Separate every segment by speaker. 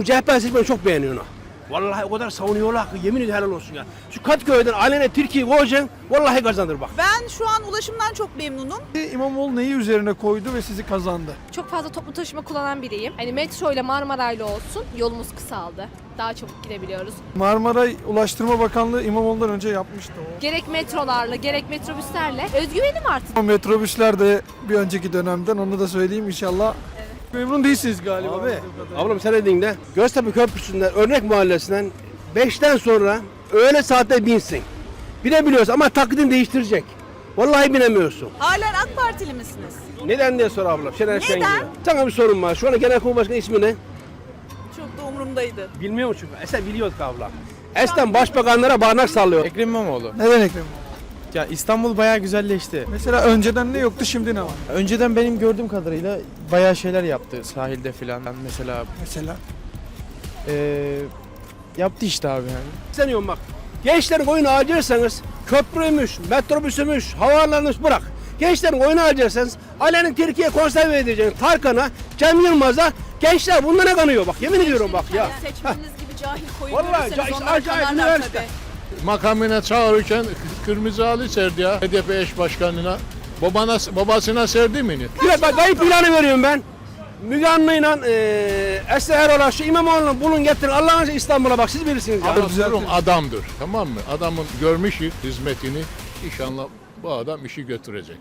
Speaker 1: CHP seçmeni çok beğeniyor onu. Vallahi o kadar savunuyorlar ki yemin ederim helal olsun ya. Şu Kadıköy'den alene Türkiye'yi koyacaksın vallahi kazanır bak.
Speaker 2: Ben şu an ulaşımdan çok memnunum.
Speaker 3: İmamoğlu neyi üzerine koydu ve sizi kazandı?
Speaker 4: Çok fazla toplu taşıma kullanan biriyim. Hani metro ile Marmaray'la olsun yolumuz kısaldı. Daha çabuk gidebiliyoruz.
Speaker 3: Marmaray Ulaştırma Bakanlığı İmamoğlu'ndan önce yapmıştı o.
Speaker 4: Gerek metrolarla gerek metrobüslerle özgüvenim arttı.
Speaker 3: O metrobüsler de bir önceki dönemden, onu da söyleyeyim inşallah. Memnun değilsiniz galiba.
Speaker 1: Abi, ablam sen dediğinde Göztepe Köprüsü'nden Örnek Mahallesi'nden 5'ten sonra öğle saatte binsin. Binebiliyorsun ama taklidini değiştirecek. Vallahi binemiyorsun.
Speaker 2: Halen AK Partili misiniz?
Speaker 1: Neden diye sor ablam. Şener
Speaker 2: Neden?
Speaker 1: Şengül'e. Sana bir sorun var. Şu an Genelkurmay Başkanı ismi ne?
Speaker 2: Çok da umurumdaydı.
Speaker 1: Bilmiyor musun? Esen biliyorduk abla. Esen başbakanlara barnak sallıyor.
Speaker 5: Ekrem İmamoğlu.
Speaker 3: Neden Ekrem İmamoğlu?
Speaker 5: Ya İstanbul bayağı güzelleşti.
Speaker 3: Mesela önceden ne yoktu, şimdi ne var?
Speaker 5: Önceden benim gördüğüm kadarıyla bayağı şeyler yaptı sahilde filan. Mesela
Speaker 3: Mesela
Speaker 5: yaptı işte abi yani.
Speaker 1: Seniyorum bak. Gençlerin oyunu harcarsanız köprüymüş, metrobüsümüş, havaalanıymış bırak. Gençlerin oyunu harcarsanız Ali'nin Türkiye konserve edeceğin Tarkan'a, Cem Yılmaz'a gençler bunlara kanıyor bak yemin ediyorum bak ya.
Speaker 2: Seçmeniniz gibi cahil koyun
Speaker 1: Vallahi
Speaker 2: görürseniz
Speaker 1: işte
Speaker 2: onlar
Speaker 1: acayip
Speaker 2: kanarlar
Speaker 1: üniversite.
Speaker 2: tabii.
Speaker 6: Makamına çağırırken kırmızı halı serdi ya HDP eş başkanına. Babasına serdi mi?
Speaker 1: Bir bak kayıp ilanı veriyorum ben. Müge Anlı'yla Esra Erol'a şu İmamoğlu'nu bulun getirin Allah'ın izniyle İstanbul'a bak siz bilirsiniz ya.
Speaker 6: Durum adamdır, tamam mı? Adamın görmüş hizmetini, inşallah bu adam işi götürecek.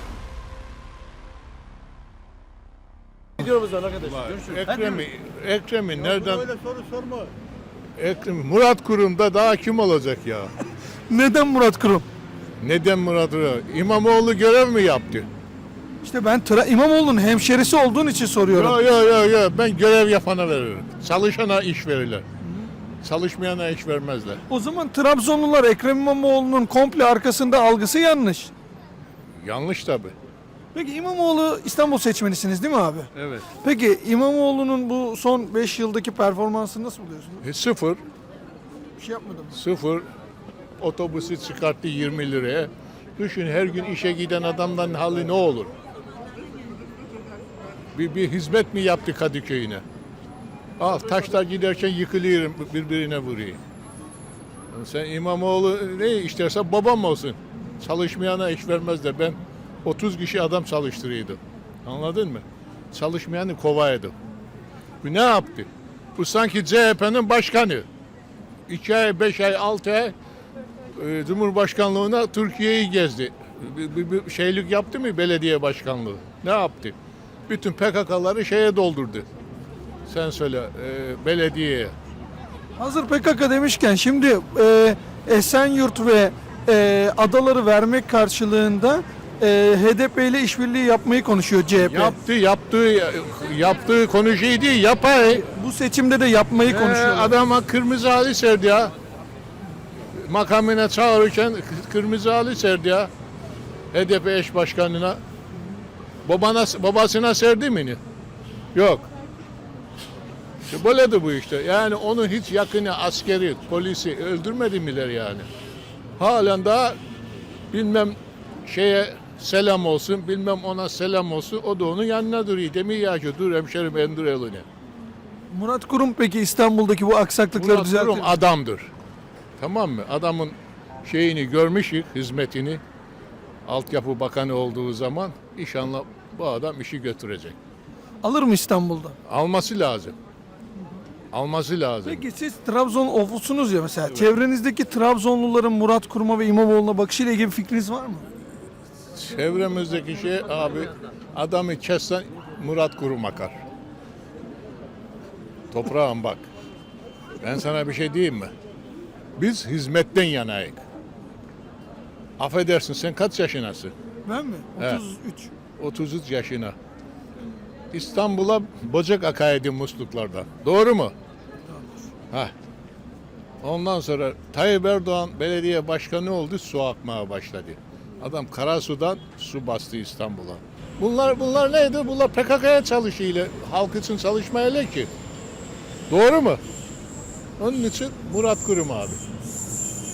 Speaker 1: Gidiyoruz arkadaşlar. Görüşürüz.
Speaker 6: Ekrem'i nereden? Öyle soru sorma. Murat Kurum'da daha kim olacak ya?
Speaker 3: Neden Murat Kurum?
Speaker 6: Neden Murat Kurum? İmamoğlu görev mi yaptı?
Speaker 3: İşte ben İmamoğlu'nun hemşerisi olduğun için soruyorum.
Speaker 6: Yo, ben görev yapana veririm. Çalışana iş verirler. Çalışmayana iş vermezler.
Speaker 3: O zaman Trabzonlular Ekrem İmamoğlu'nun komple arkasında algısı yanlış.
Speaker 6: Yanlış tabii.
Speaker 3: Peki İmamoğlu İstanbul seçmenisiniz değil mi abi?
Speaker 6: Evet.
Speaker 3: Peki İmamoğlu'nun bu son 5 yıldaki performansını nasıl buluyorsunuz?
Speaker 6: Sıfır.
Speaker 3: Bir şey yapmadım.
Speaker 6: Sıfır. Otobüsü çıkarttı 20 liraya. Düşün her gün işe giden adamdan hali ne olur? Bir hizmet mi yaptı Kadıköy'üne? Ah taşlar giderken yıkılıyorum birbirine vuruyor. Sen İmamoğlu ne istersen babam olsun. Çalışmayana iş vermezler. Ben 30 kişi adam çalıştırıyordum. Anladın mı? Çalışmayanı kovaydım. Bu ne yaptı? Bu sanki CHP'nin başkanı. 2 ay, 5 ay, 6 ay Cumhurbaşkanlığına Türkiye'yi gezdi. Bir şeylik yaptı mı belediye başkanlığı? Ne yaptı? Bütün PKK'ları şeye doldurdu. Sen söyle belediyeye.
Speaker 3: Hazır PKK demişken şimdi Esenyurt ve adaları vermek karşılığında HDP ile işbirliği yapmayı konuşuyor CHP.
Speaker 6: Yaptığı konuşuyor değil, yapay.
Speaker 3: Bu seçimde de yapmayı konuşuyorlar.
Speaker 6: Adama kırmızı halı serdi ya. Makamına çağırırken kırmızı halı serdi ya. HDP eş başkanına. Babasına serdi mi? Yok. İşte böyledir bu işte. Yani onun hiç yakını askeri, polisi öldürmedi miler yani. Halen daha bilmem şeye selam olsun, bilmem ona selam olsun. O da onun yanına duruyor. Demiyor ya ki dur hemşerim endir elini.
Speaker 3: Murat Kurum peki İstanbul'daki bu aksaklıkları
Speaker 6: Murat
Speaker 3: düzeltir
Speaker 6: Kurum
Speaker 3: mi?
Speaker 6: adamdır. Tamam mı? Adamın şeyini görmüşük, hizmetini. Altyapı Bakanı olduğu zaman inşallah bu adam işi götürecek.
Speaker 3: Alır mı İstanbul'da?
Speaker 6: Alması lazım. Alması lazım.
Speaker 3: Peki siz Trabzon ofusunuz ya mesela. Evet. Çevrenizdeki Trabzonluların Murat Kurum'a ve İmamoğlu'na bakışıyla ilgili bir fikriniz var mı?
Speaker 6: Çevremizdeki şey abi adamı kessen Murat Kurum akar. Toprağım bak. Ben sana bir şey diyeyim mi? Biz hizmetten yanayık. Affedersin sen kaç yaşındasın?
Speaker 3: Ben mi?
Speaker 6: Evet.
Speaker 3: 33.
Speaker 6: 33 yaşına. İstanbul'a bocak akaydı musluklardan. Doğru mu? Heh. Ondan sonra Tayyip Erdoğan belediye başkanı oldu, su akmaya başladı. Adam Karasu'dan su bastı İstanbul'a. Bunlar neydi? Bunlar PKK'ya çalışıyla, halk için çalışmayla ki. Doğru mu? Onun için Murat Kurum abi.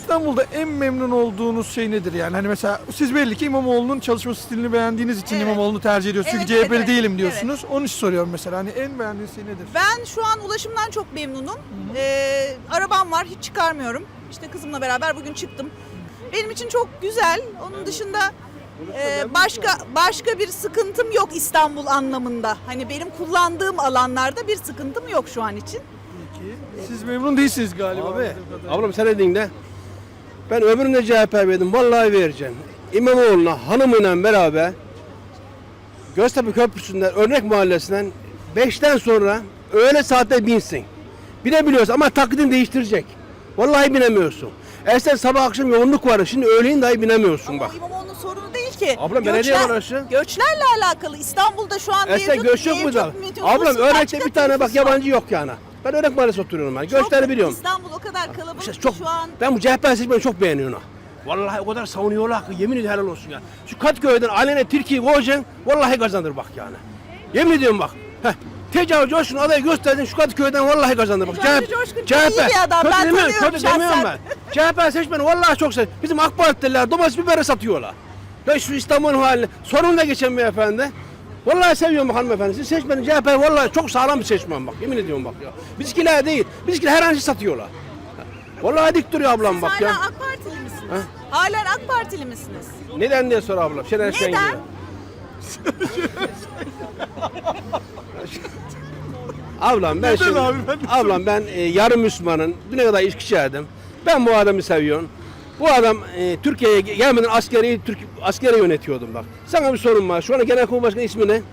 Speaker 3: İstanbul'da en memnun olduğunuz şey nedir yani? Hani mesela siz belli ki İmamoğlu'nun çalışma stilini beğendiğiniz için
Speaker 2: Evet.
Speaker 3: İmamoğlu'nu tercih ediyorsunuz.
Speaker 2: Evet,
Speaker 3: Çünkü CHP'li
Speaker 2: evet,
Speaker 3: değilim diyorsunuz. Onun için soruyorum mesela. Hani en beğendiğiniz şey nedir?
Speaker 2: Ben şu an ulaşımdan çok memnunum. Arabam var, hiç çıkarmıyorum. İşte kızımla beraber bugün çıktım. Benim için çok güzel. Onun dışında başka bir sıkıntım yok İstanbul anlamında. Hani benim kullandığım alanlarda bir sıkıntım yok şu an için.
Speaker 3: Siz memnun değilsiniz galiba.
Speaker 1: Abi,
Speaker 3: anladığım kadarıyla.
Speaker 1: ablam sen dedin de ben öbürüne CHP verdim. Vallahi vereceğim. İmamoğlu'na hanımıyla beraber Göztepe Köprüsü'nden Örnek Mahallesi'nden 5'ten sonra öğle saatte binsin. Binebiliyorsun ama taklidini değiştirecek. Vallahi binemiyorsun. Eskiden sabah akşam yoğunluk vardı. Şimdi öğleyin dahi binemiyorsun
Speaker 2: Ama
Speaker 1: bak.
Speaker 2: o İmamoğlu'nun sorunu değil ki.
Speaker 1: Ablam, belediye var orası.
Speaker 2: Göçlerle alakalı. İstanbul'da şu an
Speaker 1: Eskiden göç yok mu da? Ablam Örnek'te bir tane bak yabancı yok yani. Ben Örnek Mahallesi oturuyorum ben. Göçleri biliyorum.
Speaker 2: İstanbul o kadar kalabalık
Speaker 1: İşte
Speaker 2: ki
Speaker 1: çok,
Speaker 2: şu an.
Speaker 1: ben bu CHP seçmeni çok beğeniyorum. Vallahi o kadar savunuyorlar ki yemin ediyorum helal olsun ya. Şu Katköy'den alene Türkiye'yi koyacaksın vallahi kazanır bak yani. Yemin ediyorum bak. Heh. Tecavüz Coşkun adayı gösterdin şu Katköy'den vallahi kazanır bak.
Speaker 2: Tecavüz Coşkun çok iyi bir adam,
Speaker 1: Kötü
Speaker 2: ben
Speaker 1: demiyorum,
Speaker 2: tanıyorum
Speaker 1: kötü demiyorum
Speaker 2: şahsen.
Speaker 1: ben. CHP seçmeni vallahi çok seviyorum. Bizim AK Partililer domates biberi satıyorlar. Ben şu İstanbul'un halini sorun da geçen beyefendi. Vallahi seviyorum bak hanımefendi. Siz seçmenin CHP vallahi çok sağlam bir seçmen bak. Yemin ediyorum bak ya. Bizimkiler değil. Bizimkiler her an şey satıyorlar. Vallahi dik duruyor ablam
Speaker 2: Siz
Speaker 1: bak
Speaker 2: hala
Speaker 1: ya.
Speaker 2: AK Partili misiniz? Halen AK Partili misiniz?
Speaker 1: Neden diye sor ablam. Şener
Speaker 2: Neden?
Speaker 1: Şengül'e. Ablam ben
Speaker 3: Neden
Speaker 1: şimdi,
Speaker 3: abi? Ben de
Speaker 1: ablam ben yarım Müslümanın. Düne kadar içki içerdim. Ben bu adamı seviyorum. Bu adam Türkiye'ye gelmeden askeri yönetiyordum bak. Sana bir sorun var. Şu an Genelkurmay Başkanı ismi ne?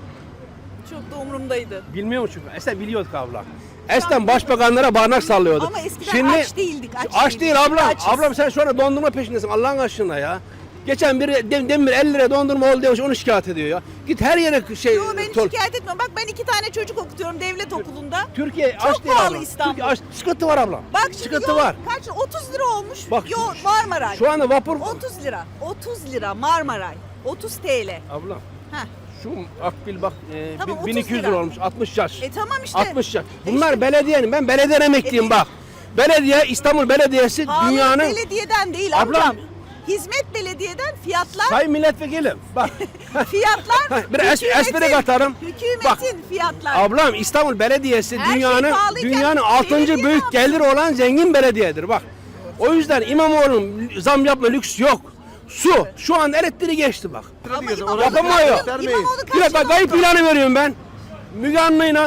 Speaker 2: Çok da umurumdaydı.
Speaker 1: Bilmiyor musun? Eskiden biliyorduk abla. Eskiden başbakanlara barnak sallıyordu.
Speaker 2: Ama eskiden aç değildik.
Speaker 1: Aç değil ablam.
Speaker 2: Şimdi açız.
Speaker 1: Ablam sen şu anda dondurma peşindesin Allah'ın aşkına ya. Geçen biri demir 50 lira dondurma oldu demiş onu şikayet ediyor ya. Git her yere şey...
Speaker 2: Yo, ben şikayet etmiyorum. Bak ben 2 tane çocuk okutuyorum devlet okulunda.
Speaker 1: Türkiye
Speaker 2: Çok
Speaker 1: aç değil
Speaker 2: pahalı
Speaker 1: ablam.
Speaker 2: İstanbul.
Speaker 1: Türkiye aç. Sıkıntı var ablam.
Speaker 2: Bak şimdi
Speaker 1: Sıkıntı
Speaker 2: yol
Speaker 1: var.
Speaker 2: kaç? 30 lira olmuş.
Speaker 1: Bak,
Speaker 2: Yol Marmaray.
Speaker 1: Şu anda vapur...
Speaker 2: 30 lira. 30 lira Marmaray. 30 TL.
Speaker 1: Ablam
Speaker 2: Heh.
Speaker 1: şu akbil bak
Speaker 2: Tamam, 30
Speaker 1: 1200 lira
Speaker 2: lira.
Speaker 1: olmuş 60 yaş.
Speaker 2: Tamam işte.
Speaker 1: 60 yaş. Bunlar belediyenin ben belediye emekliyim bak. Belediye İstanbul Belediyesi
Speaker 2: Pahalı
Speaker 1: dünyanın
Speaker 2: belediyeden değil
Speaker 1: Ablam.
Speaker 2: amcam. Hizmet belediyeden fiyatlar
Speaker 1: sayın milletvekilim bak.
Speaker 2: fiyatlar
Speaker 1: Bir espri katarım.
Speaker 2: Hükümetin
Speaker 1: Bak.
Speaker 2: fiyatlar.
Speaker 1: Ablam İstanbul Belediyesi
Speaker 2: Her şey pahalıyken
Speaker 1: dünyanın 6.
Speaker 2: belediye
Speaker 1: büyük
Speaker 2: ne
Speaker 1: geliri olan zengin belediyedir bak. O yüzden İmamoğlu'nun zam yapma lüks yok. Su şu an elektriği geçti bak.
Speaker 2: Ama İmamoğlu
Speaker 1: Yapamıyor.
Speaker 2: kaç yıl- İmamoğlu kaç
Speaker 1: Bir de
Speaker 2: yıl
Speaker 1: bak kayıp
Speaker 2: oldu?
Speaker 1: ilanı veriyorum ben. Müge Anlı'yla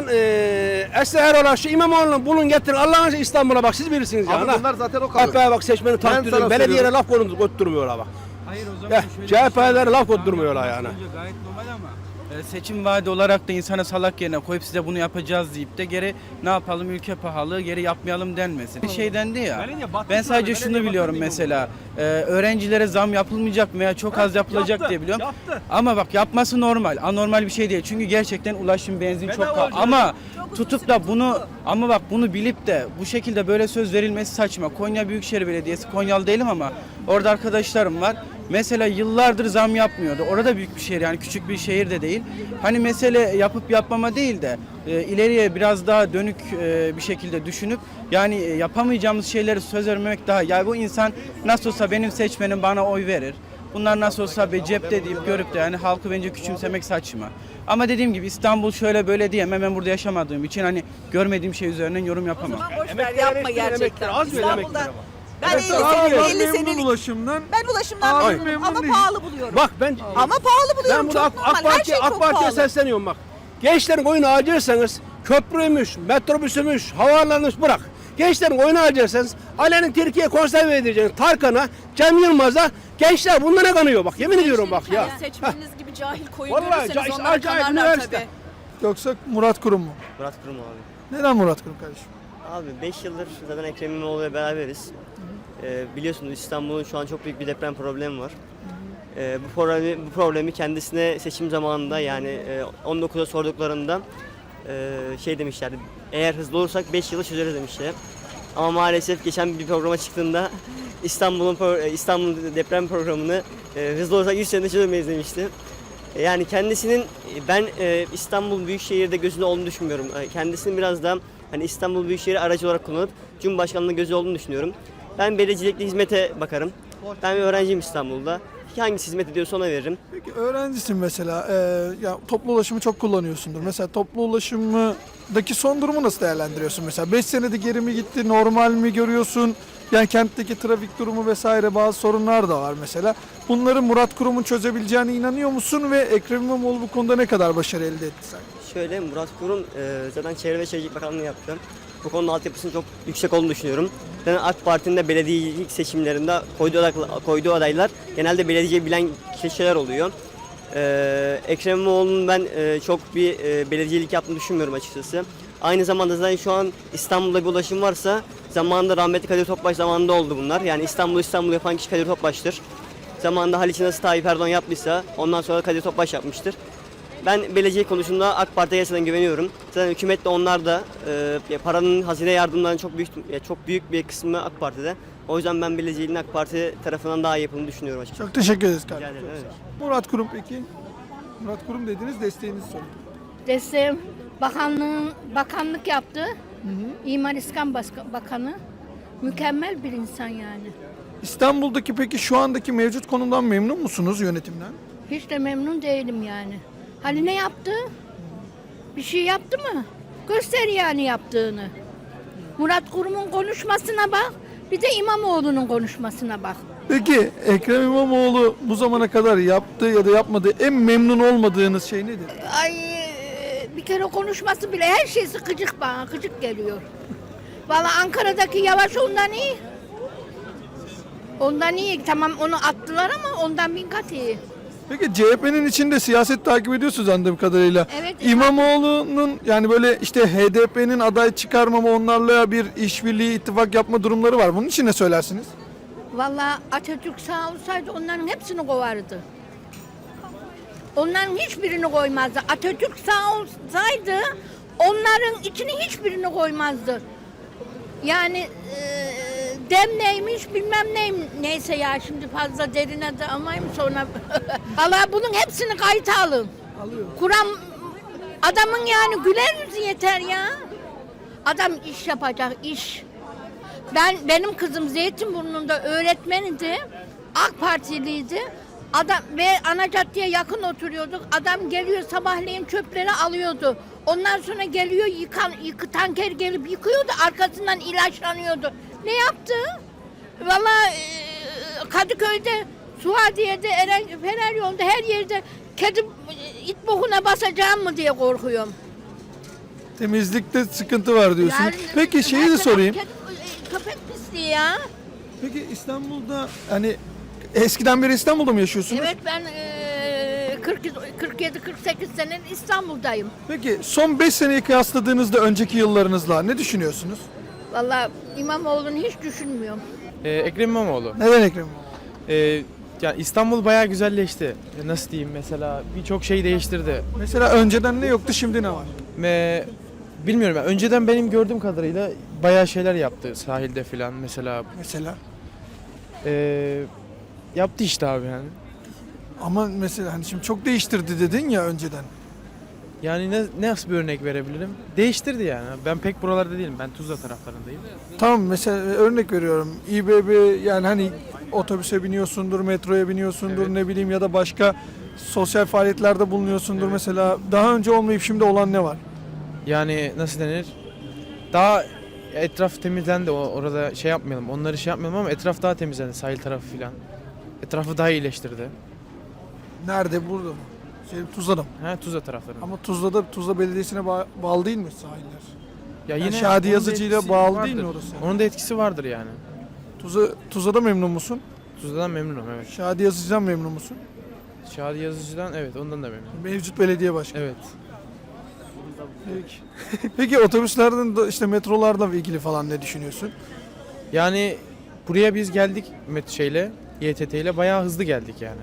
Speaker 1: Esra Erol'a şu İmamoğlu'nu bulun getirin Allah'ın aşkına İstanbul'a bak siz bilirsiniz ya.
Speaker 7: Abi bunlar zaten o kadar.
Speaker 1: Hatta bak seçmeni takdiriyorum.
Speaker 7: sana
Speaker 1: Belediyelere
Speaker 7: söylüyorum.
Speaker 1: laf götürmüyorlar bak.
Speaker 8: Hayır o zaman
Speaker 1: Ya,
Speaker 8: şöyle
Speaker 1: CHP'lere laf götürmüyorlar yani.
Speaker 8: Gayet normal ama seçim vaadi olarak da insana salak yerine koyup size bunu yapacağız deyip de geri ne yapalım ülke pahalı geri yapmayalım denmesin. Bir şey dendi ya.
Speaker 1: Belediye battı
Speaker 8: Ben
Speaker 1: şu anda,
Speaker 8: sadece şunu
Speaker 1: belediye
Speaker 8: biliyorum
Speaker 1: battı
Speaker 8: mesela. Öğrencilere zam yapılmayacak veya çok az yapılacak
Speaker 1: yaptı,
Speaker 8: diye biliyorum.
Speaker 1: yaptı.
Speaker 8: Ama bak yapması normal. Anormal bir şey değil. Çünkü gerçekten ulaşım benzin çok
Speaker 1: Bedava
Speaker 8: pahalı.
Speaker 1: olacak.
Speaker 8: Ama
Speaker 2: Çok
Speaker 8: tutup
Speaker 2: uzun
Speaker 8: da
Speaker 2: süre
Speaker 8: bunu
Speaker 2: tuttu.
Speaker 8: ama bak bunu bilip de bu şekilde böyle söz verilmesi saçma. Konya Büyükşehir Belediyesi, Konyalı değilim ama orada arkadaşlarım var. Mesela yıllardır zam yapmıyordu. Orada büyük bir şehir yani küçük bir şehir de değil. Hani mesele yapıp yapmama değil de ileriye biraz daha dönük bir şekilde düşünüp yani yapamayacağımız şeyleri söz vermemek daha. Yani bu insan nasıl olsa benim seçmenim bana oy verir. Bunlar nasıl olsa be cepte deyip görüp de yani halkı bence küçümsemek saçma. Ama dediğim gibi İstanbul şöyle böyle diyemem. Ben burada yaşamadığım için hani görmediğim şey üzerinden yorum
Speaker 2: O
Speaker 8: yapamam.
Speaker 2: zaman boş ver
Speaker 1: Emekliler
Speaker 2: yapma
Speaker 1: eleştirin,
Speaker 2: gerçekten.
Speaker 1: emekliler. Az ver
Speaker 2: İstanbul'da
Speaker 1: emekliler ama.
Speaker 2: ben
Speaker 1: Evet,
Speaker 2: 50
Speaker 1: abi,
Speaker 2: senelik,
Speaker 1: abi,
Speaker 2: 50
Speaker 3: memnun
Speaker 2: senelik.
Speaker 3: ulaşımdan.
Speaker 2: Ben ulaşımdan
Speaker 3: Abi
Speaker 2: memnunum
Speaker 3: memnun
Speaker 2: ama
Speaker 3: değil.
Speaker 2: pahalı buluyorum.
Speaker 1: Bak ben
Speaker 2: Ama pahalı buluyorum.
Speaker 1: ben burada
Speaker 2: Çok normal. Her şey
Speaker 1: AK
Speaker 2: çok
Speaker 1: Parti'ye
Speaker 2: pahalı.
Speaker 1: sesleniyorum bak. Gençlerin oyunu harcarsanız köprüymüş, metrobüsümüş, havaalanıymış bırak. Gençlerin oyunu harcarsanız Alenen Türkiye konserve edeceğiniz Tarkan'a, Cem Yılmaz'a gençler bunlara kanıyor bak yemin ediyorum bak ya.
Speaker 2: Seçmeniniz gibi cahil koyun
Speaker 1: Vallahi
Speaker 2: görürseniz onlar
Speaker 1: acayip
Speaker 2: kanarlar
Speaker 1: üniversite.
Speaker 2: tabii.
Speaker 3: Yoksa Murat Kurum mu?
Speaker 9: Murat Kurum abi.
Speaker 3: Neden Murat Kurum kardeşim?
Speaker 9: Abi 5 yıldır zaten Ekrem İmamoğlu'yla beraberiz. Biliyorsunuz İstanbul'un şu an çok büyük bir deprem problemi var. Bu problemi kendisine seçim zamanında yani 19'a sorduklarında şey demişlerdi. Eğer hızlı olursak 5 yılı çözeriz demişler. Ama maalesef geçen bir programa çıktığında İstanbul deprem programını hızlı olursak 100 senede çözemeyiz demişti. Yani kendisinin ben İstanbul Büyükşehir'de gözünde olduğunu düşünmüyorum. Kendisinin biraz daha hani İstanbul Büyükşehir'i aracı olarak kullanıp Cumhurbaşkanlığı'nda gözü olduğunu düşünüyorum. Ben belediyecilikte hizmete bakarım. Ben bir öğrenciyim İstanbul'da. Hangisi hizmet ediyorsa ona veririm.
Speaker 3: Peki öğrencisin mesela, ya toplu ulaşımı çok kullanıyorsundur. Mesela toplu ulaşımdaki son durumu nasıl değerlendiriyorsun? Mesela 5 senede geri mi gitti, normal mi görüyorsun? Yani kentteki trafik durumu vesaire bazı sorunlar da var mesela. Bunları Murat Kurum'un çözebileceğine inanıyor musun ve Ekrem İmamoğlu bu konuda ne kadar başarı elde etti sence?
Speaker 9: Şöyle Murat Kurum zaten Çevre ve Şehircilik Bakanlığı yaptı. Bu konunun altyapısının çok yüksek olduğunu düşünüyorum. Zaten AK Parti'nin de belediyecilik seçimlerinde koyduğu adaylar genelde belediyeciyi bilen kişiler oluyor. Ekrem İmamoğlu'nun ben çok bir belediyecilik yaptığını düşünmüyorum açıkçası. Aynı zamanda zaten şu an İstanbul'da bir ulaşım varsa zamanında rahmetli Kadir Topbaş zamanında oldu bunlar. Yani İstanbul yapan kişi Kadir Topbaş'tır. Zamanında Haliç'i nasıl Tayyip Erdoğan yaptıysa ondan sonra Kadir Topbaş yapmıştır. Ben belediye konusunda AK Parti'ye gerçekten güveniyorum. Zaten hükümet de onlar da paranın hazine yardımlarının çok büyük bir kısmı AK Parti'de. O yüzden ben belediyeciliğin AK Parti tarafından daha iyi yapıldığını düşünüyorum açıkçası.
Speaker 3: Çok teşekkür ederiz kardeşim.
Speaker 9: Rica ederim,
Speaker 3: Çok
Speaker 9: evet.
Speaker 3: sağ ol. Murat Kurum peki? Murat Kurum dediniz, desteğinizi sorun.
Speaker 7: Desteğim bakanlık yaptı. İmar İskan Bakanı. Mükemmel bir insan yani.
Speaker 3: İstanbul'daki peki şu andaki mevcut konumdan memnun musunuz, yönetimden?
Speaker 7: Hiç de memnun değilim yani. Hani ne yaptı? Bir şey yaptı mı? Göster yani yaptığını. Murat Kurum'un konuşmasına bak. Bir de İmamoğlu'nun konuşmasına bak.
Speaker 3: Peki Ekrem İmamoğlu bu zamana kadar yaptığı ya da yapmadığı en memnun olmadığınız şey nedir?
Speaker 7: Ay bir kere konuşması bile her şeysi gıcık bana. Gıcık geliyor. Vallahi Ankara'daki Yavaş ondan iyi. Ondan iyi. Tamam onu attılar ama ondan bin kat iyi.
Speaker 3: Peki CHP'nin içinde siyaset takip ediyorsunuz anladığım kadarıyla.
Speaker 7: Evet.
Speaker 3: İmamoğlu'nun yani böyle işte HDP'nin aday çıkarmama, onlarla bir işbirliği, ittifak yapma durumları var. Bunun için ne söylersiniz?
Speaker 7: Vallahi Atatürk sağ olsaydı onların hepsini kovardı. Onların hiçbirini koymazdı. Atatürk sağ olsaydı onların içine hiçbirini koymazdı. Yani dem neymiş bilmem neyse ya şimdi fazla derine de almayayım sonra. Vallahi bunun hepsini kayıta alın. Kur'an adamın yani güler yüzü yeter ya. Adam iş yapacak iş. Benim kızım Zeytinburnu'nda öğretmeniydi. AK Partiliydi. Adam ve ana caddeye yakın oturuyorduk. Adam geliyor sabahleyin çöpleri alıyordu. Ondan sonra geliyor tanker gelip yıkıyordu. Arkasından ilaçlanıyordu. Ne yaptı? Vallahi Kadıköy'de, Suadiye'de, Fener yolunda her yerde kedi it bokuna basacağım mı diye korkuyorum.
Speaker 3: Temizlikte sıkıntı var diyorsunuz.
Speaker 7: Yani,
Speaker 3: Peki şeyi de sorayım.
Speaker 7: Köpek pisliği ya.
Speaker 3: Peki İstanbul'da hani eskiden beri İstanbul'da mı yaşıyorsunuz?
Speaker 7: Evet ben 47-48 senedir İstanbul'dayım.
Speaker 3: Peki son 5 seneyi kıyasladığınızda önceki yıllarınızla ne düşünüyorsunuz?
Speaker 7: Vallahi İmamoğlu'nu hiç düşünmüyorum.
Speaker 5: Ekrem İmamoğlu.
Speaker 3: Neden Ekrem İmamoğlu?
Speaker 5: Yani İstanbul bayağı güzelleşti. Nasıl diyeyim, mesela birçok şey değiştirdi.
Speaker 3: Mesela önceden ne yoktu, şimdi ne var?
Speaker 5: Bilmiyorum ya, önceden benim gördüğüm kadarıyla bayağı şeyler yaptı sahilde filan mesela.
Speaker 3: Mesela.
Speaker 5: Yaptı işte abi yani.
Speaker 3: Ama mesela hani şimdi çok değiştirdi dedin ya önceden.
Speaker 5: Yani nasıl bir örnek verebilirim? Değiştirdi yani. Ben pek buralarda değilim. Ben Tuzla taraflarındayım.
Speaker 3: Tamam mesela örnek veriyorum. İBB yani hani otobüse biniyorsundur, metroya biniyorsundur,
Speaker 5: Evet.
Speaker 3: ne bileyim ya da başka sosyal faaliyetlerde bulunuyorsundur
Speaker 5: Evet.
Speaker 3: mesela. Daha önce olmayıp şimdi olan ne var?
Speaker 5: Yani nasıl denir? Daha etraf temizlendi. Orada şey yapmayalım. Onları şey yapmayalım ama etraf daha temizlendi. Sahil tarafı filan. Etrafı daha iyileştirdi.
Speaker 3: Nerede? Burada mı? Tuzla'da mı?
Speaker 5: Tuzla taraflarında.
Speaker 3: Ama Tuzla Belediyesi'ne bağlı değil mi sahiller?
Speaker 5: Ya
Speaker 3: Yani Şadi
Speaker 5: onun da
Speaker 3: Yazıcı'yla
Speaker 5: etkisi
Speaker 3: bağlı
Speaker 5: vardır.
Speaker 3: değil mi orası?
Speaker 5: Onun da etkisi vardır yani.
Speaker 3: Tuzla'da memnun musun?
Speaker 5: Tuzla'dan memnunum, evet.
Speaker 3: Şadi Yazıcı'dan memnun musun?
Speaker 5: Şadi Yazıcı'dan evet, ondan da memnunum.
Speaker 3: Mevcut belediye başkanı.
Speaker 5: Evet.
Speaker 3: Peki. Peki otobüslerden de işte metrolarla ilgili falan ne düşünüyorsun?
Speaker 5: Yani buraya biz geldik YTT ile bayağı hızlı geldik yani.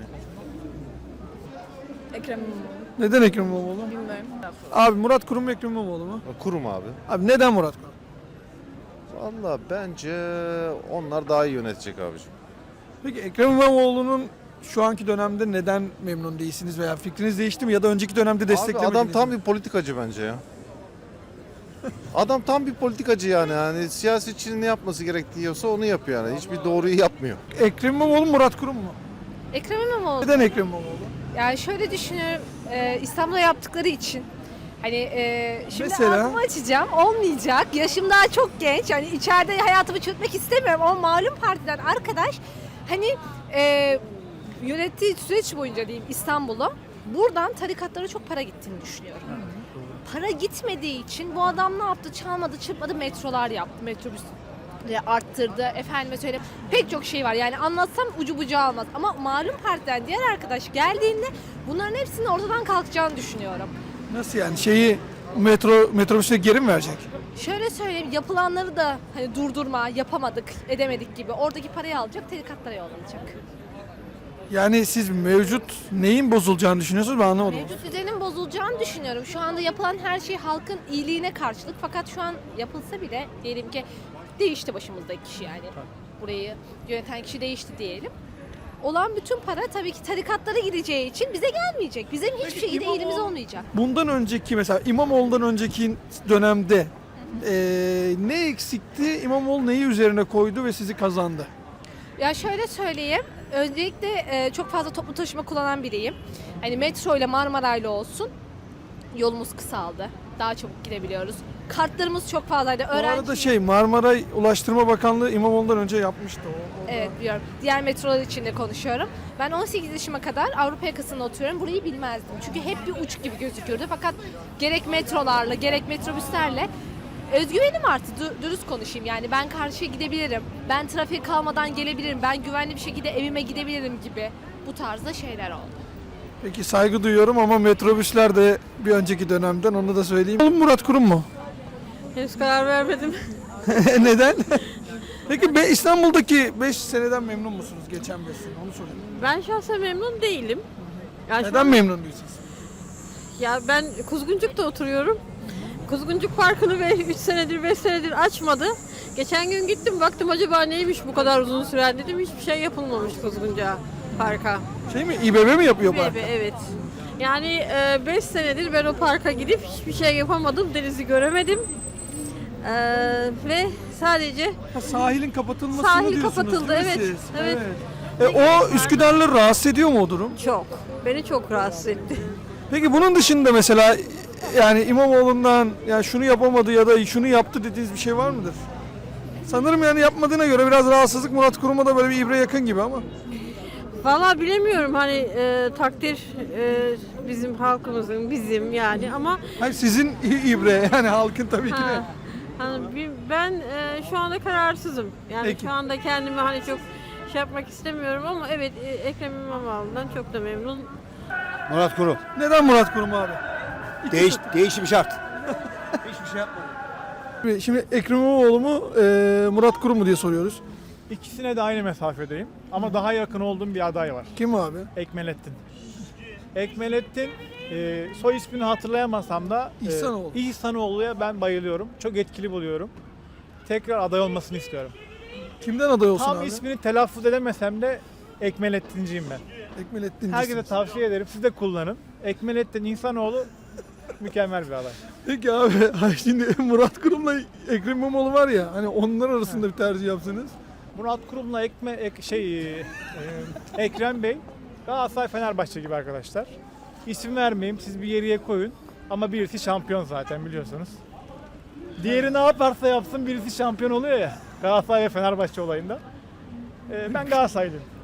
Speaker 2: Ekrem
Speaker 3: Neden Ekrem İmamoğlu?
Speaker 2: bilmiyorum.
Speaker 3: Abi Murat Kurum mu Ekrem İmamoğlu mu?
Speaker 10: Kurum abi.
Speaker 3: Abi neden Murat Kurum?
Speaker 10: Valla bence onlar daha iyi yönetecek abicim.
Speaker 3: Peki Ekrem İmamoğlu'nun şu anki dönemde neden memnun değilsiniz veya fikriniz değişti mi ya da önceki dönemde
Speaker 10: Abi
Speaker 3: desteklemediniz
Speaker 10: adam tam
Speaker 3: mi?
Speaker 10: bir politikacı bence ya. Adam tam bir politikacı yani. Hani siyasetçinin ne yapması gerektiyorsa onu yapıyor yani. Hiçbir doğruyu yapmıyor.
Speaker 3: Ekrem İmamoğlu, Murat Kurum mu?
Speaker 4: Ekrem İmamoğlu.
Speaker 3: Neden Ekrem İmamoğlu?
Speaker 4: Yani şöyle düşünüyorum, İstanbul'da yaptıkları için. Hani şimdi
Speaker 3: Mesela?
Speaker 4: ağzımı açacağım, olmayacak. Yaşım daha çok genç. Hani içeride hayatımı çürütmek istemiyorum ama malum partiden arkadaş hani yönettiği süreç boyunca diyeyim İstanbul'u buradan tarikatlara çok para gittiğini düşünüyorum. Para gitmediği için bu adam ne yaptı? Çalmadı, çırpmadı, metrolar yaptı. Metrobüs arttırdı. Efendime söyleyeyim. Pek çok şey var. Yani anlatsam ucu bucağı almaz. Ama malum partiden diğer arkadaş geldiğinde bunların hepsinin ortadan kalkacağını düşünüyorum.
Speaker 3: Nasıl yani? Metrobüse geri mi verecek?
Speaker 4: Şöyle söyleyeyim, yapılanları da hani durdurma, yapamadık, edemedik gibi. Oradaki parayı alacak, tarikatlara yollanacak.
Speaker 3: Yani siz mevcut neyin bozulacağını düşünüyorsunuz, ben anlamadım.
Speaker 4: Mevcut düzenin bozulacağını düşünüyorum. Şu anda yapılan her şey halkın iyiliğine karşılık. Fakat şu an yapılsa bile diyelim ki değişti başımızdaki kişi yani. Burayı yöneten kişi değişti diyelim. Olan bütün para tabii ki tarikatlara gideceği için bize gelmeyecek. Bizim hiçbir şekilde elimiz olmayacak.
Speaker 3: Bundan önceki mesela İmamoğlu'ndan önceki dönemde ne eksikti? İmamoğlu neyi üzerine koydu ve sizi kazandı?
Speaker 4: Ya şöyle söyleyeyim. Öncelikle çok fazla toplu taşıma kullanan biriyim. Hani metro ile Marmaray'la olsun yolumuz kısaldı. Daha çabuk gidebiliyoruz. Kartlarımız çok fazlaydı.
Speaker 3: Bu arada Marmaray Ulaştırma Bakanlığı İmamoğlu'ndan önce yapmıştı.
Speaker 4: Evet biliyorum. Diğer metrolar için de konuşuyorum. Ben 18 yaşıma kadar Avrupa yakasında oturuyorum. Burayı bilmezdim. Çünkü hep bir uç gibi gözüküyordu. Fakat gerek metrolarla gerek metrobüslerle özgüvenim arttı. Dürüst konuşayım yani. Ben karşıya gidebilirim. Ben trafiğe kalmadan gelebilirim. Ben güvenli bir şekilde evime gidebilirim gibi. Bu tarzda şeyler oldu.
Speaker 3: Peki saygı duyuyorum ama metrobüsler de bir önceki dönemden, onu da söyleyeyim. Oğlum Murat Kurum mu?
Speaker 2: Henüz karar vermedim.
Speaker 3: Neden? Peki İstanbul'daki 5 seneden memnun musunuz? Geçen 5 sene, onu sorayım.
Speaker 2: Ben şahsen memnun değilim. Yani
Speaker 3: Neden memnun değilsiniz?
Speaker 2: Ya ben Kuzguncuk'ta oturuyorum. Kuzguncuk Parkı'nı 3 senedir 5 senedir açmadı. Geçen gün gittim baktım acaba neymiş bu kadar uzun süren dedim. Hiçbir şey yapılmamış Kuzguncuk'a parka.
Speaker 3: İBB mi yapıyor park?
Speaker 2: Evet. Yani 5 senedir ben o parka gidip hiçbir şey yapamadım. Denizi göremedim. Ve sadece
Speaker 3: Sahilin kapatılmasını
Speaker 2: Sahil
Speaker 3: diyorsunuz
Speaker 2: kapatıldı,
Speaker 3: değil mi
Speaker 2: evet,
Speaker 3: siz?
Speaker 2: evet.
Speaker 3: O Üsküdar'ları rahatsız ediyor mu o durum?
Speaker 2: çok. Beni çok rahatsız etti.
Speaker 3: Peki bunun dışında mesela yani İmamoğlu'ndan ya şunu yapamadı ya da şunu yaptı dediğiniz bir şey var mıdır? Sanırım yani yapmadığına göre biraz rahatsızlık Murat Kurum'a da böyle bir ibre yakın gibi ama.
Speaker 2: Vallahi bilemiyorum hani takdir bizim halkımızın bizim yani ama
Speaker 3: Hayır sizin ibre yani halkın tabii ki de.
Speaker 2: hani ben şu anda kararsızım. Yani
Speaker 3: Peki.
Speaker 2: şu anda kendimi hani çok şey yapmak istemiyorum ama evet Ekrem İmamoğlu'ndan çok da memnun.
Speaker 11: Murat Kurum.
Speaker 3: Neden Murat Kurum abi?
Speaker 11: Değişim şart.
Speaker 3: Hiçbir şey yapmadı. Şimdi Ekrem İmamoğlu mu Murat Kurum mu diye soruyoruz.
Speaker 12: İkisine de aynı mesafedeyim ama daha yakın olduğum bir aday var.
Speaker 3: Kim abi?
Speaker 12: Ekmelettin. Ekmelettin soy ismini hatırlayamasam da
Speaker 3: İhsanoğlu.
Speaker 12: İhsanoğlu'ya ben bayılıyorum. Çok etkili buluyorum. Tekrar aday olmasını istiyorum.
Speaker 3: Kimden aday olsun
Speaker 12: Tam
Speaker 3: abi?
Speaker 12: ismini telaffuz edemesem de Ekmelettinciyim ben.
Speaker 3: Ekmelettin.
Speaker 12: Herkese tavsiye ederim. Siz de kullanın. Ekmelettin İhsanoğlu mükemmel bir aday.
Speaker 3: Peki abi şimdi Murat Kurum'la Ekrem İmamoğlu var ya hani onlar arasında bir tercih yapsanız.
Speaker 12: Murat Kurum'la Ekrem Bey Galatasaray Fenerbahçe gibi arkadaşlar. İsim vermeyeyim, siz bir yere koyun ama birisi şampiyon zaten biliyorsunuz. Diğeri ne yaparsa yapsın birisi şampiyon oluyor ya Galatasaray ve Fenerbahçe olayında. Ben Galatasaraylıyım.